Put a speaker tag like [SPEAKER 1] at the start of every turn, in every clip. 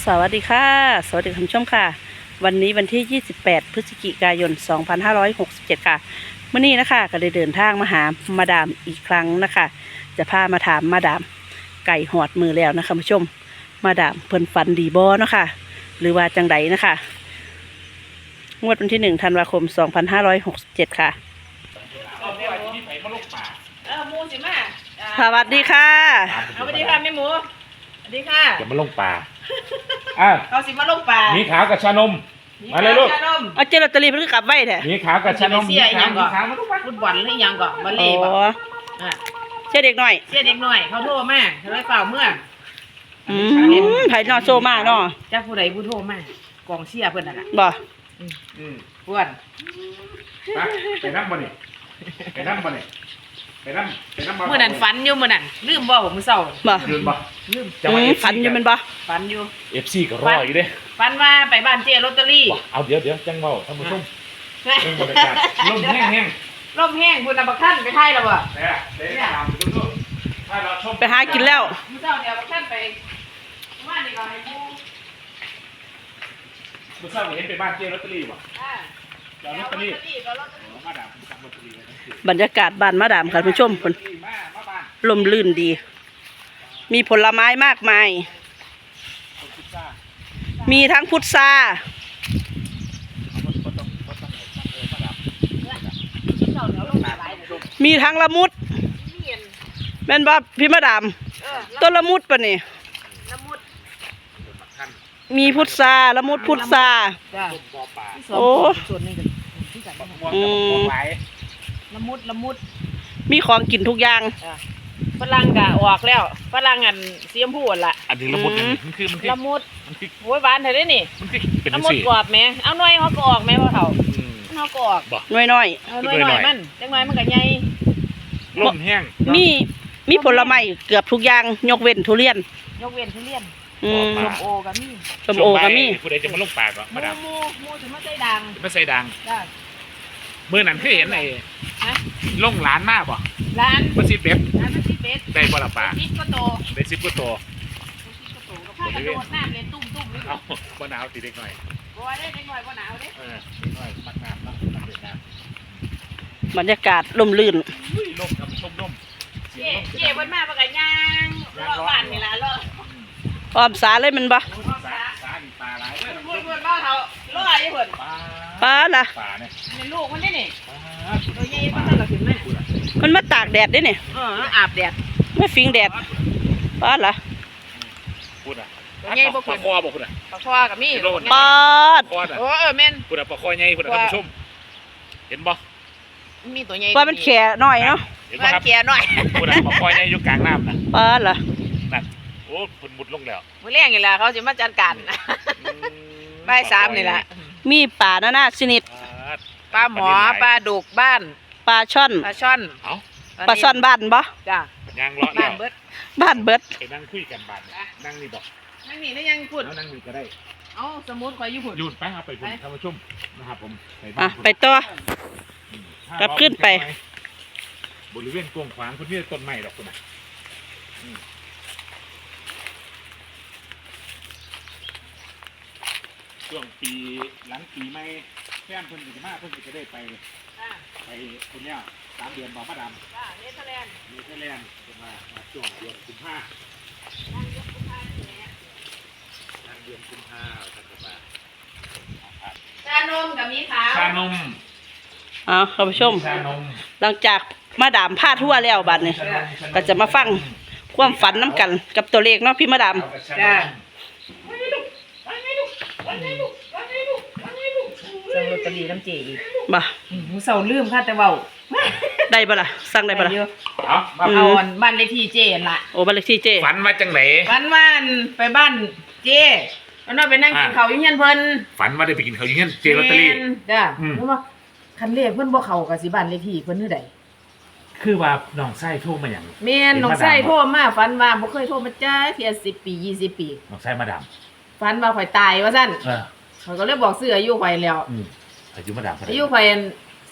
[SPEAKER 1] สวัสดีค่ะสวัสดีคุณผู้ชมค่ะวันนี้วันที่ 28 พฤศจิกายน 2567 ค่ะเมื่อนี้นะคะก็ได้เดินทางมาหามาดามอีกครั้งนะคะจะพามาถามมาดามไก่หอดมือแล้วนะคะคุณผู้ชมมาดามเพิ่นฝันดีบ่เนาะค่ะหรือว่าจังใดนะคะงวดวันที่ 1 ธันวาคม 2567 ค่ะ
[SPEAKER 2] หมูสิมา
[SPEAKER 1] สวัสดีค่ะ
[SPEAKER 2] สวัสดีค่ะแม่หมูสวัสดีค่ะ
[SPEAKER 3] จะมาลงป่า
[SPEAKER 2] เขาสิมาลงป่า
[SPEAKER 3] มีขาวกับชานมมาเลยลูก
[SPEAKER 1] เอาเจลอตเตอรี่เพิ่งกลับไว้แท้
[SPEAKER 3] มีขาวกับชานม
[SPEAKER 2] มีขาวมาทุกวันฟุตบอลหรือยังก่อนบอลเล่บ่
[SPEAKER 1] เชื่อเด็กหน่อย
[SPEAKER 2] เสียเด็กหน่อยเขาโทรมาเขาเลยเปล่าเมื่อ
[SPEAKER 1] ไผ่นอโซมาเนาะ
[SPEAKER 2] จ้าผู้ใดผู้โทรมากองเชียร์เพิ่นน่ะ
[SPEAKER 1] บ่
[SPEAKER 2] เพื่อน
[SPEAKER 3] ไปนั่งบ่นี่ไปนั่งบ่นี่ไปนั่ง
[SPEAKER 2] เมื่อนั้นฝันอยู่เมื่อนั้นลืมบ่มื้อเช้า
[SPEAKER 1] บ่
[SPEAKER 3] ลืมบ่
[SPEAKER 2] ลืม
[SPEAKER 1] ฝันอยู่มันบ่
[SPEAKER 2] ฝันอยู่
[SPEAKER 3] FC ก็รออยู่เด้
[SPEAKER 2] ฝันว่าไปบ้านเจ๊ลอตเตอรี่
[SPEAKER 3] เอาเดี๋ยวจังเว้าท่านผู้ชมบรรยากาศลมแห้ง
[SPEAKER 2] ลมแห้งคุณบักท่านไปไทยแล้วบ่
[SPEAKER 3] เนี่ยตามดูถ้าเราชม
[SPEAKER 1] ไปหากินแล้ว
[SPEAKER 2] มื้อเช้าเดี๋ยวบักท่านไปว่านี่ก็ให้ผู้
[SPEAKER 3] มื้อเช้าเห็นไปบ้านเจ๊ลอตเตอรี่บ่จอดลอตเตอรี่มาดามจับลอตเตอรี่
[SPEAKER 1] บรรยากาศบ้านมาดามค่ะผู้ชมคนลมลื่นดีมีผลไม้มากมายมีทั้งพุทรามีทั้งละมุดแม่นบ่พี่มาดามต้นละมุดปะนี่มีพุทราละมุดพุทราโอ้
[SPEAKER 2] ละมุด
[SPEAKER 1] มีของกินทุกอย่าง
[SPEAKER 2] ฝรั่งก็ออกแล้วฝรั่งอันสีชมพูล่ะ
[SPEAKER 3] อันนี้ละมุดมันคือ
[SPEAKER 2] ละมุดโอ้ยหวานแท้เด้นี่
[SPEAKER 3] มันคือเป็น
[SPEAKER 2] ละมุดกรอบแม่เอาหน่อยเฮาก็ออกแม่พ่อเฒ่าเฮาก็ออก
[SPEAKER 1] น้อย
[SPEAKER 2] ๆน้อยมันจังหน่อยมันก็ใหญ่
[SPEAKER 3] ลมแห้ง
[SPEAKER 1] มีผลไม้เกือบทุกอย่างยกเว้นทุเรียน
[SPEAKER 2] ยกเว้นทุเรียนส้มโอก็มี
[SPEAKER 3] ผู้ใดจะมาลงปากก็มาดาม
[SPEAKER 2] หมูสิมาใส่ดัง
[SPEAKER 3] มาใส่ดังเมื่อนั้นเคยเห็นไอ้ลงร้านมาบ่
[SPEAKER 2] ร้าน
[SPEAKER 3] มาซิเบ็ดได้บ่ละป่า
[SPEAKER 2] 10ก็โต
[SPEAKER 3] ได้10ก็โต
[SPEAKER 2] ก็กระโดดน้ำเล่นตุ้มนี่
[SPEAKER 3] เอาบ่หนาวติเด็กหน่อย
[SPEAKER 2] บ่ได้เด็กหน่อยบ่หนาวเด้
[SPEAKER 3] เด็กหน่อยมักน้ำเนาะมักเล่นน้
[SPEAKER 1] ำบรรยากาศลมลื่น
[SPEAKER 3] ลมครับชมลม
[SPEAKER 2] เจ๊เพิ่นมาบ่ก็ย่างรอบ้านนี่ล่ะรอ
[SPEAKER 1] ออมสาเลยมันบ่
[SPEAKER 3] สาอีปลาหลายเด้อ
[SPEAKER 2] เพิ่นบ่เฒ่ารออยู่เพิ่น
[SPEAKER 1] ปลาล่ะ
[SPEAKER 3] ปลาเนี่ย
[SPEAKER 2] เป็นลูกมันนี่ตัวใหญ่มันก็ขึ้นมา
[SPEAKER 1] มันมาตากแดดได้นี่
[SPEAKER 2] อาบแดด
[SPEAKER 1] ไม่ฟิงแดดปลาล่ะ
[SPEAKER 3] พูดอ่ะ
[SPEAKER 2] ตัวใหญ่บ่
[SPEAKER 3] ปลาคอบ่พูดอ่ะ
[SPEAKER 2] ปลาคอก็มี
[SPEAKER 1] ปลา
[SPEAKER 2] แม่น
[SPEAKER 3] พูดอ่ะปลาคอใหญ่พูดอ่ะท่านผู้ชมเห็นบ่
[SPEAKER 2] มีตัวใหญ่
[SPEAKER 1] ปลามันแข็น้อยเนาะ
[SPEAKER 2] ปลาแข็น้อย
[SPEAKER 3] พูดอ่ะปลาคอใหญ่อยู่กลางน้ำนะ
[SPEAKER 1] ปลาล่ะ
[SPEAKER 3] นั่นโอ้พุ่นมุดลงแล้ว
[SPEAKER 2] มื้อแรงนี่ล่ะเขาสิมาจัดการบ่าย 3นี่ล่ะ
[SPEAKER 1] มีปลานานาชนิด
[SPEAKER 2] ปลาหมอปลาดุกบ้าน
[SPEAKER 1] ปลาช่อนปลาช่อนบ้านบ่
[SPEAKER 2] จ้ะ
[SPEAKER 3] ย่างเลาะแล้ว
[SPEAKER 1] บ้านเบิด
[SPEAKER 3] ไปนั่งคุยกันบ้านนั่งนี่บอก
[SPEAKER 2] นั่งนี่แล้วยังพูด
[SPEAKER 3] นั่งนี่ก็ได้
[SPEAKER 2] เอาสมุดคอยอยู่พูด
[SPEAKER 3] หยุดไปครับไปพูดท่านผู้ชมนะครับผม
[SPEAKER 1] ไปต่อกลับขึ้นไป
[SPEAKER 3] บริเวณกวงขวางคุณนี่ต้นไม้ดอกคุณน่ะช่วงปีหลังปีใหม่แฟนเพิ่นจะมาเพิ่นจะได้ไปคนเนี้ย3 เดือนบอกมาดาม
[SPEAKER 2] เนเธอร์แลนด์
[SPEAKER 3] จะมาช่วงเดือนกุมภา
[SPEAKER 2] ชานมกับมีขาว
[SPEAKER 3] ชานม
[SPEAKER 1] ท่านผู้ชมหลังจากมาดามพาทั่วแล้วบัดนี้ก็จะมาฟังความฝันน้ำกันกับตัวเลขเนาะพี่มาดาม
[SPEAKER 2] จ้าสั่งลอตเตอรี่น้ำเจอีก
[SPEAKER 1] บ่
[SPEAKER 2] มื้อเช้าลืมค่ะแต่เว้า
[SPEAKER 1] ได้บ่ล่ะสั่งได้บ่ล่ะ
[SPEAKER 3] เอา
[SPEAKER 2] บ้านเลขที่เจล่ะ
[SPEAKER 1] โอ้บ้านเลขที่เจ
[SPEAKER 3] ฝันมาจังไหน
[SPEAKER 2] ฝันว่าไปบ้านเจแล้วเราไปนั่งกินข้าวอยู่เฮียนเพิ่น
[SPEAKER 3] ฝันว่าได้ไปกินข้าวอยู่เฮียนเจลอตเตอรี่
[SPEAKER 2] จ้าเพราะว่าคันเลขเพิ่นบ่เข้ากับสิบ้านเลขที่เพิ่นคือใด
[SPEAKER 3] คือว่าน้องไส้โทรมาหยัง
[SPEAKER 2] แม่นน้องไส้โทรมาฝันว่าบ่เคยโทรมาจ้าเที่ย10 ปี20 ปี
[SPEAKER 3] น้องไส้มาดาม
[SPEAKER 2] ฝันว่าข่อยตายว่าซั่นเขาก็เลยบอกซื้ออายุข่อยแล้ว
[SPEAKER 3] อายุมาดาม
[SPEAKER 2] อายุข่อย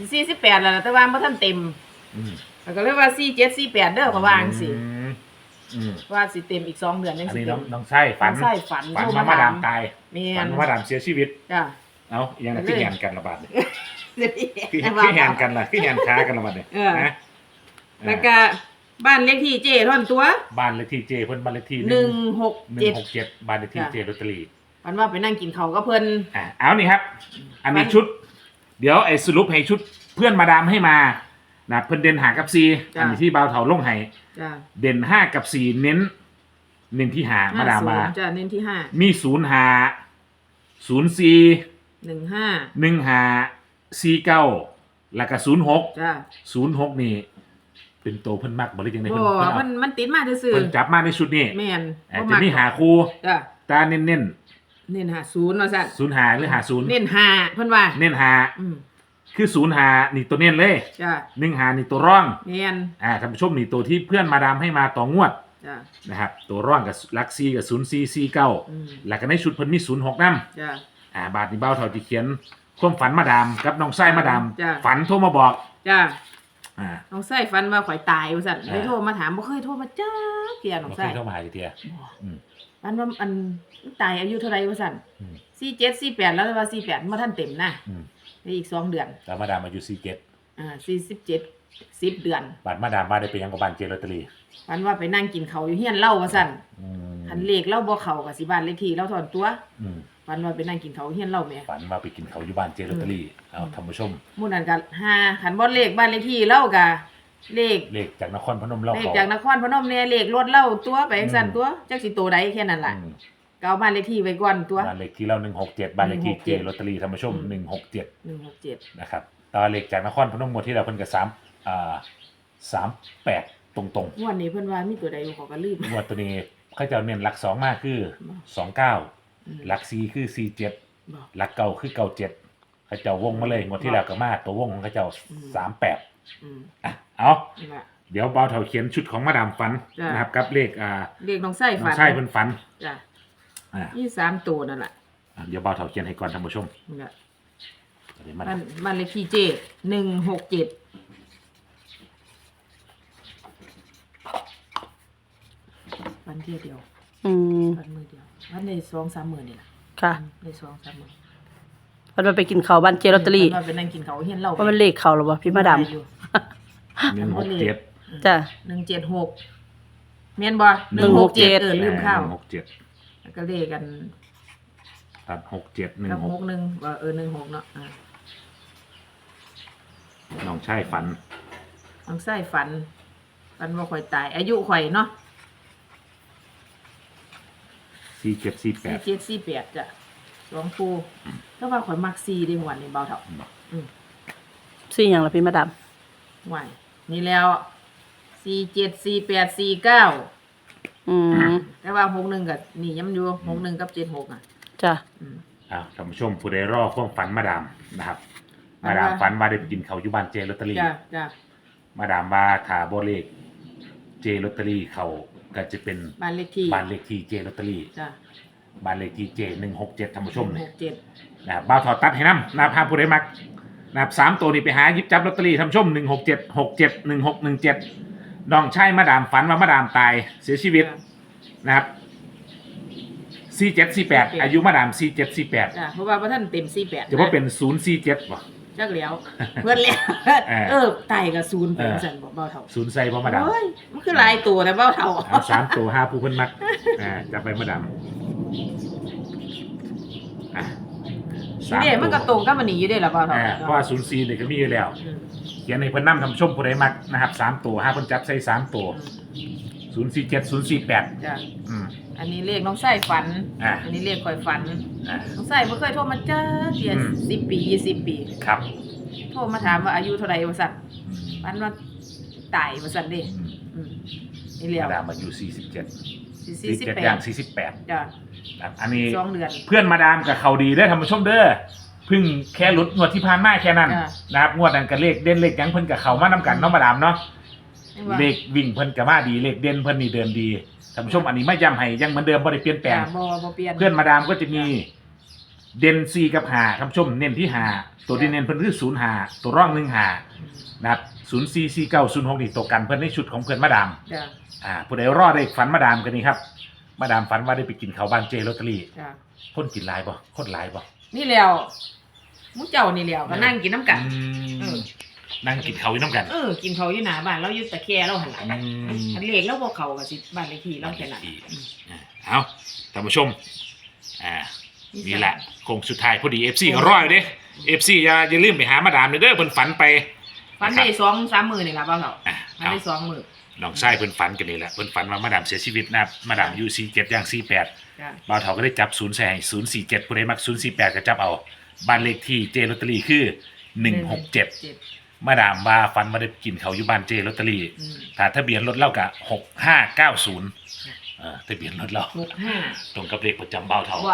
[SPEAKER 2] 48แล้วแต่ว่าบ่ทันเต็มก็เลยว่า47 48เด้อเขาว่าจังซี่ว่าสิเต็มอีก2 เดือนยัง
[SPEAKER 3] อัน
[SPEAKER 2] สิ
[SPEAKER 3] นี้
[SPEAKER 2] เต็
[SPEAKER 3] น้อ
[SPEAKER 2] ม
[SPEAKER 3] งไส้ฝัน
[SPEAKER 2] น้องไส้ฝัน
[SPEAKER 3] ฝัน
[SPEAKER 2] โทร
[SPEAKER 3] ว่า
[SPEAKER 2] มา
[SPEAKER 3] มาดาม
[SPEAKER 2] ถาม
[SPEAKER 3] ตาย
[SPEAKER 2] แม่
[SPEAKER 3] ฝัน
[SPEAKER 2] น
[SPEAKER 3] ว่ามาดามเสียชีวิต
[SPEAKER 2] จ้ะ
[SPEAKER 3] เอายังไงคือแหนกันระบาดเนี่ย คือ
[SPEAKER 2] แต่
[SPEAKER 3] คือแหนกันล่ะคือแหนค้ากันระบาดเนี่ยนะ
[SPEAKER 2] แล้วก็บ้านเลขที่เจ้ท่อนตัว
[SPEAKER 3] บ้านเลขที่เจเพิ่นบ้านเลขที่
[SPEAKER 2] 167
[SPEAKER 3] 167บ้านเลขที่เจลอตเตอรี่
[SPEAKER 2] มันว่าไปนั่งกินข้าวกับเพิ่น
[SPEAKER 3] เอานี่ครับ อันนี้ชุด เดี๋ยวไอ้สรุปให้ชุดเพื่อนมาดามให้มานะเพิ่นเด่นหากับซีอันนี้ที่บ่าวเถาลงให้
[SPEAKER 2] จ้ะ
[SPEAKER 3] เด่น5กับ4เน้นที่หามาดามมา
[SPEAKER 2] 50จ้ะเน้นที่
[SPEAKER 3] มี0หา04
[SPEAKER 2] 5
[SPEAKER 3] 1หา49แล้วก็06
[SPEAKER 2] จ้ะ
[SPEAKER 3] 06นี่เป็นตัวเพิ่นมักบ่ได้จังได๋
[SPEAKER 2] บ่
[SPEAKER 3] เพิ่นเอา
[SPEAKER 2] มันติดมาซื่อ
[SPEAKER 3] เพิ่นจับมาในชุดนี้
[SPEAKER 2] ๆแม่น
[SPEAKER 3] จะมีหาคู่
[SPEAKER 2] จ้ะ
[SPEAKER 3] ตาเน้น
[SPEAKER 2] เน้น50ว่าซั่น
[SPEAKER 3] 0หาหรือหา0
[SPEAKER 2] เน้น5เพิ่นว่า
[SPEAKER 3] เน้นหา
[SPEAKER 2] อืม
[SPEAKER 3] คือ0หานี่ตัวเน้นเลย
[SPEAKER 2] จ้ะ
[SPEAKER 3] 1หานี่ตัวร่อง
[SPEAKER 2] แม่น
[SPEAKER 3] ท่านผู้ชมนี่ตัวที่เพื่อนมาดามให้มาต่องวด
[SPEAKER 2] จ้ะ
[SPEAKER 3] นะครับตัวร่องกับลักซีกับ0449
[SPEAKER 2] อืม
[SPEAKER 3] แล้วก็ในชุดเพิ่นมี06นำ
[SPEAKER 2] จ้ะ
[SPEAKER 3] บาทนี้เบ้าเท่าที่เขียนความฝันมาดามกับน้องไส้มาดาม
[SPEAKER 2] จ้ะ
[SPEAKER 3] ฝันโทรมาบอก
[SPEAKER 2] จ้ะ
[SPEAKER 3] อ่า
[SPEAKER 2] น้องไส้ฝันว่าข่อยตายว่าซั่น
[SPEAKER 3] อ่า
[SPEAKER 2] เลยโทรมาถามบ่เคยโทรมาจ้าเกียน้อง
[SPEAKER 3] บ่เค
[SPEAKER 2] ไส้
[SPEAKER 3] ยเข้ามาหาเทีย อืม
[SPEAKER 2] ฝันว่าตายอายุเท่าไหร่ว่าซั่น
[SPEAKER 3] อืม
[SPEAKER 2] 47 48แล้วว่า48บ่ทันเต็มนะ
[SPEAKER 3] อืม
[SPEAKER 2] อีก2 เดือน
[SPEAKER 3] แล้วมาดามอายุ
[SPEAKER 2] 47 10 เดือน
[SPEAKER 3] บาทมาดามมาได้ไปยังกับบ้านเจลอตเตอรี่
[SPEAKER 2] ฝันว่าไปนั่งกินข้าวอยู่เฮียนเล่าว่าซั่น
[SPEAKER 3] อืม
[SPEAKER 2] คันเลขเล่าบ่เข้าก็สิบ้านเลขที่เราถอนตัว
[SPEAKER 3] อืม
[SPEAKER 2] ฝันว่าไปนั่งกินข้าวเฮียนเล่าแหม่
[SPEAKER 3] ฝันว่าไปกินเขาวอยู่บ้านเจลอตเตอรี่เอาท่านผู้ชม
[SPEAKER 2] หมู่นั้นก็คันบ่เลขบ้านเลขที่เล่าก็เลข
[SPEAKER 3] เลขจากนครพนมเล่า
[SPEAKER 2] เลข
[SPEAKER 3] เขา
[SPEAKER 2] จากนครพนมเนี่ยเลขรถเล่าตัวไปจังซั่นตัวจักสิโตใดแค่นั้นล่ะ
[SPEAKER 3] อืม
[SPEAKER 2] ก็เอาบ้านเลขที่ไว้ก่อนตัว
[SPEAKER 3] บ้านเลขที่เรา167บ้านเลขที่เจ
[SPEAKER 2] 167
[SPEAKER 3] ลอตเตอรี่ท่านผู้ชม
[SPEAKER 2] อืม
[SPEAKER 3] 167
[SPEAKER 2] 167
[SPEAKER 3] นะครับตอนเลขจากนครพนมหมดที่เราเพิ่นก็38ตรง
[SPEAKER 2] งวดนี้เพิ่นว่ามีตัวใดอยู่เขาก็ลืม
[SPEAKER 3] ๆงวดตัวนี้เขาจะเน้นหลัก2มากคือ 29หลัก4คือ47
[SPEAKER 2] บ่
[SPEAKER 3] หลักเก่าคือ97เขาเจ้าวงมาเลยงวดที่แล้วก็มาตัววงของเขาเจ้า38
[SPEAKER 2] อืม
[SPEAKER 3] อ่ะเอา
[SPEAKER 2] นี่ล่ะ
[SPEAKER 3] เดี๋ยวเบาเถาเขียนชุดของมาดามฝัน
[SPEAKER 2] จ้ะ
[SPEAKER 3] นะครับกับเลข
[SPEAKER 2] เลขน้องไส้
[SPEAKER 3] น้อ
[SPEAKER 2] ฝั
[SPEAKER 3] ง
[SPEAKER 2] น
[SPEAKER 3] ชายเพิ่นฝัน
[SPEAKER 2] จ้ะ
[SPEAKER 3] อ่า
[SPEAKER 2] นี่3ตัวนั่นล่ะ
[SPEAKER 3] เดี๋ยวเบาเถาเขียนให้ก่อนท่านผู้ชม
[SPEAKER 2] นี่ล่ะ
[SPEAKER 3] เดี๋ยวมา
[SPEAKER 2] บ้านเลขที่เจ167วันเดียว
[SPEAKER 1] อืม
[SPEAKER 2] วันมือเดียววันได้2-3 มื้อนี่ล่ะ
[SPEAKER 1] ค่ะ
[SPEAKER 2] ได้2-3 มื้อ
[SPEAKER 1] วันไปกินข้าวบ้านเจลอตเตอรี่
[SPEAKER 2] ว่าไปนั่งกินข้าวเฮียนเล่า
[SPEAKER 1] ว่ามันเลขเขาหรอวะพี่มาดาม
[SPEAKER 2] อยู่
[SPEAKER 3] 167
[SPEAKER 1] จ้ะ
[SPEAKER 2] 176แม่นบ่
[SPEAKER 1] 167
[SPEAKER 2] ลืมข้าว
[SPEAKER 3] 167
[SPEAKER 2] แล้วก็เลขกัน
[SPEAKER 3] ตัด67
[SPEAKER 2] กับ
[SPEAKER 3] 16
[SPEAKER 2] 61ว่า16เนาะ
[SPEAKER 3] น้องชายฝัน
[SPEAKER 2] น้องไส้ฝันว่าข่อยตาย อายุข่อยเนาะ
[SPEAKER 3] 4748
[SPEAKER 2] 4748จ้ะหลวงปู่แต่ว่าข่อยมัก4ได้หวันนี่เบาเท่า
[SPEAKER 1] ซี่อย่างละพี่มาดาม
[SPEAKER 2] หวายนี่แล้ว474849
[SPEAKER 1] อืม
[SPEAKER 2] แต่ว่า61ก็นี่ยังอยู่61กับ76อ่ะ
[SPEAKER 1] จ้ะ
[SPEAKER 3] ท่านผู้ชมผู้ใดรอความฝันมาดามนะครับ มาดามฝันว่าได้ไปกินเขาวอยู่บ้านเจลอตเตอรี่
[SPEAKER 2] จ้ะ
[SPEAKER 3] มาดามว่าถ้าบ่เลขเจลอตเตอรี่เขาก็จะเป็น
[SPEAKER 2] บ้านเลขที่
[SPEAKER 3] บ้านเลขที่เจลอตเตอรี่
[SPEAKER 2] จ้ะ
[SPEAKER 3] บ้านเลขที่เจ167ท่านผู้ชมเนี่ย
[SPEAKER 2] 67
[SPEAKER 3] นะครับบ่าวถอดตัดให้นำนะครับผู้ใดมักนะครับ3ตัวนี้ไปหาหยิบจับลอตเตอรี่ท่านผู้ชม167 67 1617น้องชายมาดามฝันว่ามาดามตายเสียชีวิตนะครับ4748อายุมาดาม4748
[SPEAKER 2] จ้ะเพราะว่าบ่ทันเต็ม48
[SPEAKER 3] จะว่าเป็น047บ่
[SPEAKER 2] จักแล้วเพิ่นแล้ว ไตกับ0เป็นซั่นบ่เบาเท่า
[SPEAKER 3] 0ใส่บ่มาดาม
[SPEAKER 2] โอ้ยมันคือหลายตัวแต่เบาเท่า
[SPEAKER 3] เอา3ตัว5ผู้เพิ่นมักจะไปมาดาม
[SPEAKER 2] นี่มันก็ตรงกับมันนี่อยู่เด้ล่ะเบาเท่า
[SPEAKER 3] เพราะว่า04นี่ก็มีอยู่แล้ว เขียนให้เพิ่นนำทำชมผู้ใดมักนะครับ3ตัว5เพิ่นจับใส่3ตัว047 048
[SPEAKER 2] จ้ะ
[SPEAKER 3] อืม
[SPEAKER 2] อันนี้เลขน้องไส้ฝัน
[SPEAKER 3] อั
[SPEAKER 2] นนี้เลขข่อยฝัน
[SPEAKER 3] อ่า
[SPEAKER 2] น้องไส้บ่เคยโทรมาจ้าเสีย
[SPEAKER 3] อืม
[SPEAKER 2] 10 ปี 20 ปี
[SPEAKER 3] ครับ
[SPEAKER 2] โทรมาถามว่าอายุเท่าใดว่าซั่นฝันว่าตายว่าซั่นเด้
[SPEAKER 3] อืม
[SPEAKER 2] อืมนี่แล้ว
[SPEAKER 3] มาดามอายุ47 47ย่าง
[SPEAKER 2] 48
[SPEAKER 3] 48
[SPEAKER 2] จ้ะ
[SPEAKER 3] ครับอันนี้
[SPEAKER 2] 2 เดือน
[SPEAKER 3] เพื่อนมาดามกับเขาดีได้อท่านผู้ชมเด้อเพิ่งแค่หลุดงวดที่ผ่านมาแค่นั้น
[SPEAKER 2] จ้ะ
[SPEAKER 3] นะครับงวดนั้นก็เลขเด่นเลขหยังเพิ่นกับเขามานํกันเนาะมาดามเนาะ
[SPEAKER 2] จังว่า
[SPEAKER 3] เลขวิ่งเพิ่นก็มาดีเลขเด่นเพิ่นนี่เดินดีท่านผู้ชมอันนี้ไม่ย้ำให้ยังเหมือนเดิมบ่ได้เปลี่ยนแปลง
[SPEAKER 2] จ้ะบ่เปลี่ยน
[SPEAKER 3] เพื่อนมาดามก็จะมีเด่น4กับ5ท่านผู้ชมเน้นที่5ตัวที่เน้นเพิ่นคือ05ตัวร่อง1 5นะครับ 044906นี่ตัวกันเพื่อนในชุดของเพื่อนมาดาม
[SPEAKER 2] จ้ะ
[SPEAKER 3] ผู้ใดรอดได้ฝันมาดามกันนี่ครับมาดามฝันว่าได้ไปกินข้าวบ้านเจลอตเตอรี่
[SPEAKER 2] จ้ะ
[SPEAKER 3] คนกินหลายบ่คนหลายบ่
[SPEAKER 2] นี่แล้วมุ้เจ้านี่แล้วก็นั่งกินน้ำกัน
[SPEAKER 3] อืมนั่งกินข้าวอยู่น้ำกัน
[SPEAKER 2] กินเขาวอยู่หน้าบ้านเราอยู่ตะแคร่เราหันหลัง
[SPEAKER 3] อืม
[SPEAKER 2] อันเลขเราบ่เข้ากับสิบ้านเลขที่เราแค่นั้น
[SPEAKER 3] เอาท่านผู้ชมนี่แหละคงสุดท้ายพอดี FC ก็รออยู่เด้ FC อย่าลืมไปหามาดามเด้อเพิ่นฝันไป
[SPEAKER 2] ฝันได้2-3 มื้อนี่ล่ะบ่าวเฒ่า
[SPEAKER 3] อ่ะ
[SPEAKER 2] ฝันได้2 มื้อ
[SPEAKER 3] น้องชายเพิ่นฝันกันนี่แหละเพิ่นฝันว่ามาดามเสียชีวิตนะครับมาดามอยู่47ย่าง48
[SPEAKER 2] จ้ะ
[SPEAKER 3] บ่าวเฒ่าก็ได้จับ0ใส่047ผู้ใดมัก048ก็จับเอาบ้านเลขที่เจลอตเตอรี่คือ167มาดามว่าฝันว่าได้กินเขาวอยู่บ้านเจลอตเตอรี่
[SPEAKER 2] อืม
[SPEAKER 3] ถ้าทะเบียนรถเล่าก็6590ทะเบียนรถเรา
[SPEAKER 2] 65
[SPEAKER 3] ตรงกับเลขประจำบ่าวเฒ่า
[SPEAKER 2] ว้าว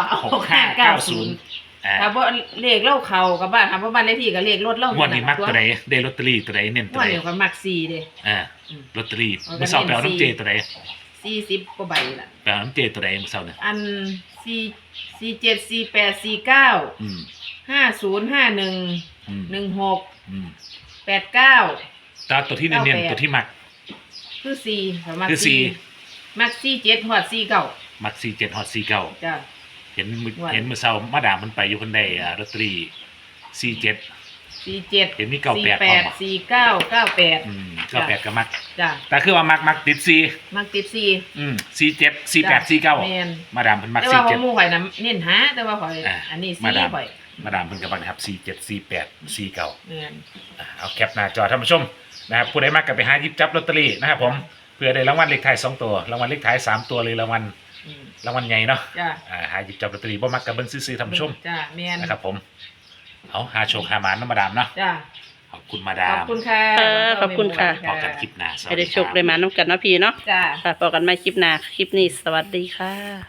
[SPEAKER 3] 6590
[SPEAKER 2] ถ้าบ่เลขเราเข้ากับบ้านถ้าบ่บ้านเลขที่ก็เลขรถเรา
[SPEAKER 3] งวดนี้มักตัวใดได้ลอตเตอรี่ตัวใดเน้นตัว
[SPEAKER 2] ว่า
[SPEAKER 3] ใด
[SPEAKER 2] เดี๋ยวก็มัก4เด้
[SPEAKER 3] ลอตเตอรี่
[SPEAKER 2] เอาก็
[SPEAKER 3] เมื่อเช้าไปเอา
[SPEAKER 2] เน้น
[SPEAKER 3] น้ำเจตัวใด
[SPEAKER 2] 40กว่าใบล่ะ
[SPEAKER 3] ไปเอาน้ำเจตัวใดเมื่อเช้าเนี่ย
[SPEAKER 2] อัน47 48 49
[SPEAKER 3] อืม
[SPEAKER 2] 5051
[SPEAKER 3] อืม
[SPEAKER 2] 16
[SPEAKER 3] อืม
[SPEAKER 2] 89
[SPEAKER 3] ตาตัวที่เน้นๆตัวที่มัก
[SPEAKER 2] คือ4ประมาณ
[SPEAKER 3] คือสี่
[SPEAKER 2] 4มัก47ฮอด49
[SPEAKER 3] มัก47ฮอด49
[SPEAKER 2] จ้ะ
[SPEAKER 3] เห็นมื้อ
[SPEAKER 2] ว่า
[SPEAKER 3] เห็นเมื่อเช้ามาดามมันไปอยู่คนใดลอตเตอรี่47
[SPEAKER 2] 47
[SPEAKER 3] เห็นมี98พร้อมบ่
[SPEAKER 2] 48 49 98
[SPEAKER 3] อืม98ก็มัก
[SPEAKER 2] จ้ะ
[SPEAKER 3] แต่คือว่ามักติด4
[SPEAKER 2] มักติด4
[SPEAKER 3] 47 48 49
[SPEAKER 2] แม่น
[SPEAKER 3] มาดามเพิ่นมัก
[SPEAKER 2] แต่ว่าของห
[SPEAKER 3] 47
[SPEAKER 2] มู่ข่อยน่ะเน้นหาแต่ว่าข่อย
[SPEAKER 3] อ่า
[SPEAKER 2] อันนี้
[SPEAKER 3] มาดาม
[SPEAKER 2] 4ข่อย
[SPEAKER 3] มาดามเพิ่นก็มักนะครับ47 48 49
[SPEAKER 2] แม่น
[SPEAKER 3] เอาแคปหน้าจอท่านผู้ชมนะครับผู้ใดมากก็ไปหาหยิบจับลอตเตอรี่นะครับผมเพื่อได้รางวัลเลขท้าย2ตัวรางวัลเลขท้าย3ตัวเลยรางวัล
[SPEAKER 2] อืม
[SPEAKER 3] รางวัลใหญ่เนาะ
[SPEAKER 2] จ้ะ
[SPEAKER 3] หาหยิบจับลอตเตอรี่บ่มักกับเบิ่งซื่อๆท่านผู้ชม
[SPEAKER 2] จ้ะแม่น
[SPEAKER 3] นะครับผมเอาหาโชคหาหมานน้ำมาดามเนาะ
[SPEAKER 2] จ้ะ
[SPEAKER 3] ขอบคุณมาดา
[SPEAKER 2] ขอบ
[SPEAKER 3] ม
[SPEAKER 2] คุณค่ะ
[SPEAKER 1] ขอบคุณค่ะ
[SPEAKER 3] พอกันคลิปหน้าสวั
[SPEAKER 1] ให้
[SPEAKER 3] ส
[SPEAKER 1] ได้
[SPEAKER 3] ดี
[SPEAKER 1] โช
[SPEAKER 3] ค
[SPEAKER 1] ครับ ได้มาน้ำกันเนาะพี่เนาะ
[SPEAKER 2] จ้ะ
[SPEAKER 1] ค่ะพบกันใหม่คลิปหน้าคลิปนี้สวัสดีค่ะ